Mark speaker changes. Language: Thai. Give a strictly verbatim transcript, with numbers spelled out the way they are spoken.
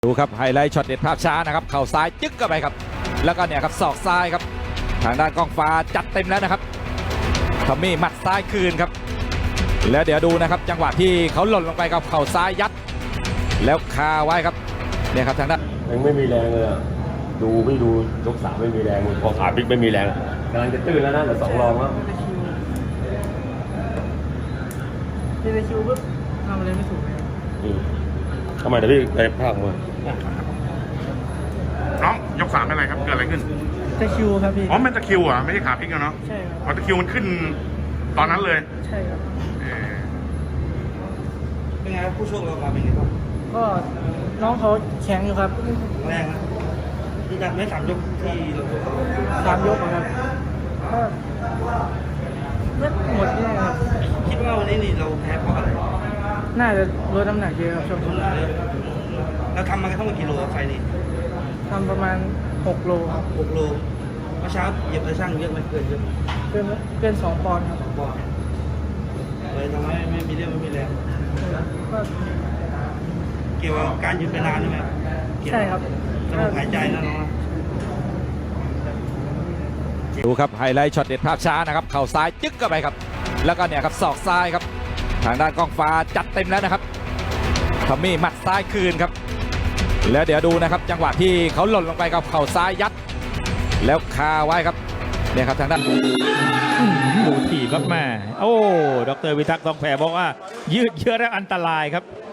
Speaker 1: ดูครับไฮไลท์ช็อตเด็ดภาพช้านะครับเข่าซ้ายจึ๊กเข้าไปครับแล้วก็เนี่ยครับศอกซ้ายครับทางด้านกองฟ้าจัดเต็มแล้วนะครับทอมมี่หมัดซ้ายคืนครับแล้วเดี๋ยวดูนะครับจังหวะที่เขาหล่นลงไปกับเข่าซ้ายยัดแล้วคาไว้ครับเนี่ยครับทางด้าน
Speaker 2: ยังไม่มีแรงเลยดูไม่ดูยกสามไม่มีแรงพอขาพลิกไม่มีแรงกำลังจะตื้นแล้วนะแต่สองรองแล้ว
Speaker 3: เดวิดคิวปุ๊บทำอะไรไม่ถูกเลย
Speaker 2: ทำไมเดี๋ยวพี่ไปภาคมา
Speaker 4: น้องยกสามเป็นอะไรครับเกิดอะไรขึ้น
Speaker 3: ตะคิวครับพี่
Speaker 4: อ๋อมันตะคิวอ่ะไม่ใช่ขาพลิกอะเนาะ
Speaker 3: ใช่ครับ
Speaker 4: อ๋อตะคิวมันขึ้นตอนนั้นเลย
Speaker 3: ใช่ครับ
Speaker 5: เป็นไงครับผู้ช่วงเรามาเป็นไงครับ
Speaker 3: ก็น้องเขาแข็งอยู่ครับ
Speaker 5: แรงนะที่ดันไม่สามยกที่เรา
Speaker 3: สามยกครับก็เลือดหมดแน่ครับ
Speaker 5: คิดว่าวันนี้นี่เราแพ้เพราะอะไร
Speaker 3: น่าจะลดน้ำหนักเยอะครับช่วงนี้
Speaker 5: เราทำมาทั้งหมดกี่โลไฟนี้
Speaker 3: ทำประมาณหกโลครับ
Speaker 5: หกโลเมื่อเช้าเหยียบตะช่างเยอะไหมเกินเยอะ
Speaker 3: เกินเกินสองปอนด์ครับ
Speaker 5: ปอนด์เลยทำให้ไม่มีเรี่ยวไม่มีแรง
Speaker 3: ก็
Speaker 5: เกี่ยวกับการยืนไปนานใช่ไหม
Speaker 3: ใช่ครับ
Speaker 5: ระบบหายใจนะน้อง
Speaker 1: ดูครับไฮไลท์ช็อตเด็ดภาพช้านะครับเข่าซ้ายจึ๊กเข้าไปครับแล้วก็เนี่ยครับศอกซ้ายครับทางด้านกองฟ้าจัดเต็มแล้วนะครับทอมมี่หมัดซ้ายคืนครับแล้วเดี๋ยวดูนะครับจังหวะที่เขาหล่นลงไปกับเข่าซ้ายยัดแล้วคาไว้ครับเนี่ยครับทางด้าน
Speaker 6: ดูถีบครับแม่โอ้ดรวิทักษ์ทองแผ่บอกว่ายืดเยื้อและอันตรายครับ